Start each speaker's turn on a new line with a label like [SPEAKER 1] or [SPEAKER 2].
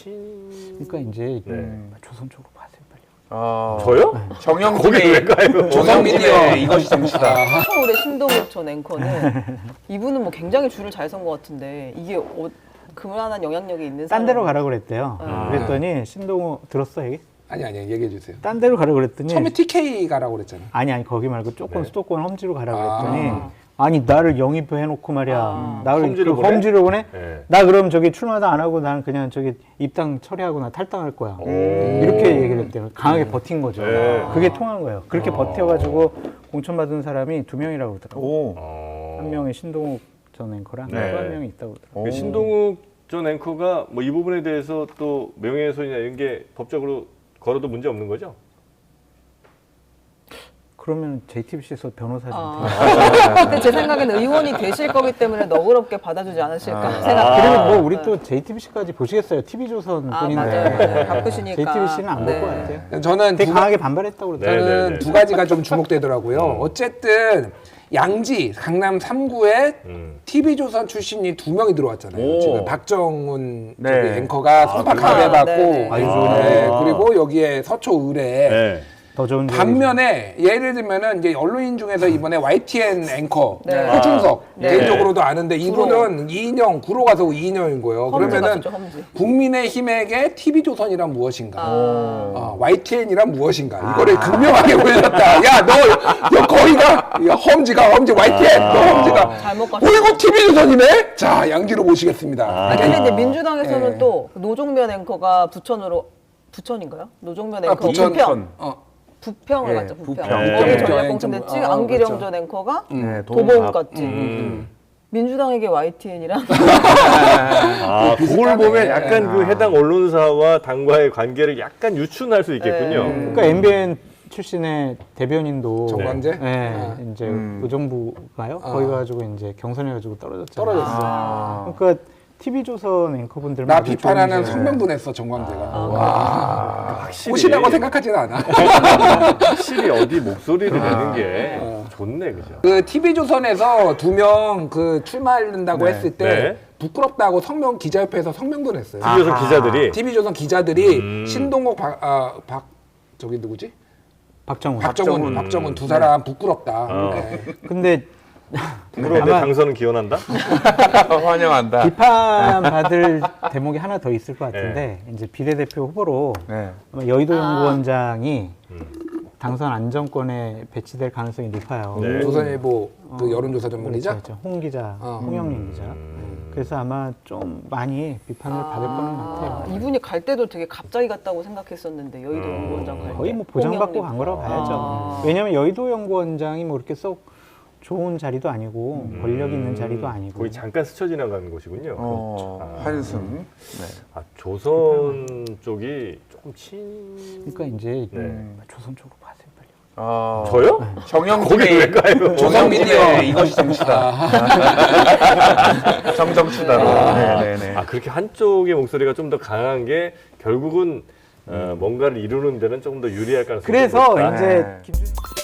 [SPEAKER 1] 그러니까 이제
[SPEAKER 2] 네.
[SPEAKER 1] 조선 쪽으로 가세요 빨리.
[SPEAKER 2] 저요?
[SPEAKER 3] 정영진의
[SPEAKER 2] 왜 가요?
[SPEAKER 3] 조선민의 이것이 정치다.
[SPEAKER 4] 서울의 신동욱 전 앵커는 이분은 뭐 굉장히 줄을 잘 선 것 같은데 이게 그만한 영향력이 있는
[SPEAKER 1] 딴
[SPEAKER 4] 사람.
[SPEAKER 1] 데로 가라 그랬대요.
[SPEAKER 4] 아.
[SPEAKER 1] 그랬더니 신동우 들었어 얘기?
[SPEAKER 3] 아니 얘기해 주세요.
[SPEAKER 1] 딴 데로 가라 그랬더니
[SPEAKER 3] 처음에 TK 가라고 그랬잖아.
[SPEAKER 1] 아니 거기 말고 조금
[SPEAKER 2] 네.
[SPEAKER 1] 수도권 험지로 가라
[SPEAKER 3] 아.
[SPEAKER 1] 그랬더니 아니 나를 영입해놓고 말이야. 나를
[SPEAKER 2] 험지로
[SPEAKER 1] 그
[SPEAKER 2] 보내?
[SPEAKER 1] 험지로 보내?
[SPEAKER 2] 네.
[SPEAKER 1] 나 그럼 저기 출마도 안 하고 나는 그냥 저기 입당 처리하고 나 탈당할 거야. 이렇게 얘기를 했대요. 강하게 버틴 거죠.
[SPEAKER 2] 네.
[SPEAKER 1] 그게 통한 거예요. 그렇게 버텨가지고 공천받은 사람이 2명이라고 그러더라고요. 한 명이 신동욱 전 앵커랑 또
[SPEAKER 2] 네.
[SPEAKER 1] 한 명이 있다고 그러더라고요.
[SPEAKER 2] 그 신동욱 전 앵커가 뭐 이 부분에 대해서 또 명예훼손이나 이런 게 법적으로 걸어도 문제 없는 거죠?
[SPEAKER 1] 그러면 JTBC에서 변호사한테
[SPEAKER 4] 근데 제 생각에는 의원이 되실 거기 때문에 너그럽게 받아주지 않으실까 생각.
[SPEAKER 1] 그리고 뭐 우리 또 JTBC까지 보시겠어요. TV조선 뿐인데
[SPEAKER 4] 맞아요. 바쁘시니까.
[SPEAKER 1] JTBC는 안 볼
[SPEAKER 4] 네.
[SPEAKER 1] 것 같아요.
[SPEAKER 3] 저는
[SPEAKER 1] 되게 강하게 반발했다고
[SPEAKER 2] 네,
[SPEAKER 1] 그러더라고요.
[SPEAKER 2] 네,
[SPEAKER 3] 저는
[SPEAKER 2] 네.
[SPEAKER 3] 두 가지가 좀 주목되더라고요. 어쨌든 양지 강남 3구에 TV조선 출신이 2명이 들어왔잖아요. 지금 박정훈
[SPEAKER 5] 네.
[SPEAKER 3] 저기 앵커가 송파갑에 받고
[SPEAKER 4] 네.
[SPEAKER 3] 네. 그리고 여기에 서초 의뢰에
[SPEAKER 2] 네.
[SPEAKER 1] 더 좋은
[SPEAKER 3] 반면에 예를 들면은 이제 언론인 중에서 이번에 YTN 앵커
[SPEAKER 4] 네.
[SPEAKER 3] 호중석
[SPEAKER 4] 네.
[SPEAKER 3] 개인적으로도 아는데 이분은 이인영 구로 가서 이인영인 거예요.
[SPEAKER 4] 험지
[SPEAKER 3] 그러면은
[SPEAKER 4] 같죠, 험지.
[SPEAKER 3] 국민의힘에게 TV조선이란 무엇인가,
[SPEAKER 4] 아.
[SPEAKER 3] YTN이란 무엇인가 이거를 극명하게 보여줬다. 야 너 거기가 야, 험지 YTN 너 험지가
[SPEAKER 4] 잘못 갔어.
[SPEAKER 3] 이거 TV조선이네. 자 양지로 모시겠습니다.
[SPEAKER 4] 근데 이제 민주당에서는
[SPEAKER 3] 네.
[SPEAKER 4] 또 노종면 앵커가 부천인가요? 노종면 앵커
[SPEAKER 3] 부천.
[SPEAKER 4] 부평. 부평을
[SPEAKER 5] 예,
[SPEAKER 4] 갔죠, 부평.
[SPEAKER 5] 부평.
[SPEAKER 4] 거기
[SPEAKER 3] 네.
[SPEAKER 4] 전략공천 됐지. 안기령
[SPEAKER 3] 그렇죠.
[SPEAKER 4] 전 앵커가
[SPEAKER 5] 네,
[SPEAKER 4] 도봉
[SPEAKER 5] 앞.
[SPEAKER 4] 갔지. 민주당에게 YTN이랑
[SPEAKER 2] 아, 그걸 보면 약간 그 해당 언론사와 당과의 관계를 약간 유추할 수 있겠군요.
[SPEAKER 1] 그러니까 MBN 출신의 대변인도
[SPEAKER 3] 정광재?
[SPEAKER 1] 네, 이제 의정부가요? 거기 가지고 이제 경선해가지고 떨어졌잖아요.
[SPEAKER 3] 떨어졌어.
[SPEAKER 1] 그러니까 TV조선 앵커분들만
[SPEAKER 3] 나
[SPEAKER 1] 아주
[SPEAKER 3] 비판하는
[SPEAKER 1] 좋은 게
[SPEAKER 3] 성명도 냈어 정광재가.
[SPEAKER 2] 확실히
[SPEAKER 3] 꽃이라고 생각하지는 않아.
[SPEAKER 2] 확실히 어디 목소리를 내는 게 좋네, 그죠?
[SPEAKER 3] 그 TV조선에서 2명 그 출마한다고 했을 때
[SPEAKER 2] 네.
[SPEAKER 3] 부끄럽다고 성명 기자협회에서 성명도 냈어요.
[SPEAKER 2] TV조선 기자들이
[SPEAKER 3] TV조선 기자들이 신동욱 저기 누구지? 박정훈 두 사람 부끄럽다. 네.
[SPEAKER 1] 근데
[SPEAKER 2] 그런데
[SPEAKER 1] 아마
[SPEAKER 2] 당선은 기원한다?
[SPEAKER 5] 환영한다.
[SPEAKER 1] 비판받을 대목이 하나 더 있을 것 같은데 이제 비례대표 후보로
[SPEAKER 5] 네.
[SPEAKER 1] 아마 여의도 연구원장이 당선 안정권에 배치될 가능성이 높아요.
[SPEAKER 2] 네.
[SPEAKER 3] 조선일보 그 여론조사 전문기자.
[SPEAKER 1] 그렇죠. 홍 기자, 홍영민 기자. 그래서 아마 좀 많이 비판을 받을 거는 같아요.
[SPEAKER 4] 이분이 갈 때도 되게 갑자기 갔다고 생각했었는데 여의도 연구원장 갈 때.
[SPEAKER 1] 거의 뭐 보장받고
[SPEAKER 4] 홍영민.
[SPEAKER 1] 간 거라고 봐야죠. 왜냐하면 여의도 연구원장이 뭐 이렇게 쏙 좋은 자리도 아니고 권력 있는 자리도 아니고.
[SPEAKER 2] 거의 잠깐 스쳐 지나가는 곳이군요.
[SPEAKER 5] 한숨. 네.
[SPEAKER 2] 아, 조선 쪽이 조금
[SPEAKER 1] 그러니까 이제
[SPEAKER 2] 네.
[SPEAKER 1] 조선 쪽으로 가세요 빨리.
[SPEAKER 2] 저요? 거기 왜
[SPEAKER 5] 정영진의
[SPEAKER 2] 가요?
[SPEAKER 3] 조선민의
[SPEAKER 5] 이것이 정치다. 정정치다. 네네네.
[SPEAKER 2] 아, 그렇게 한쪽의 목소리가 좀 더 강한 게 결국은 뭔가를 이루는 데는 조금 더 유리할 가능성이
[SPEAKER 1] 그래서
[SPEAKER 2] 높다.
[SPEAKER 1] 이제
[SPEAKER 5] 네.
[SPEAKER 1] 김준일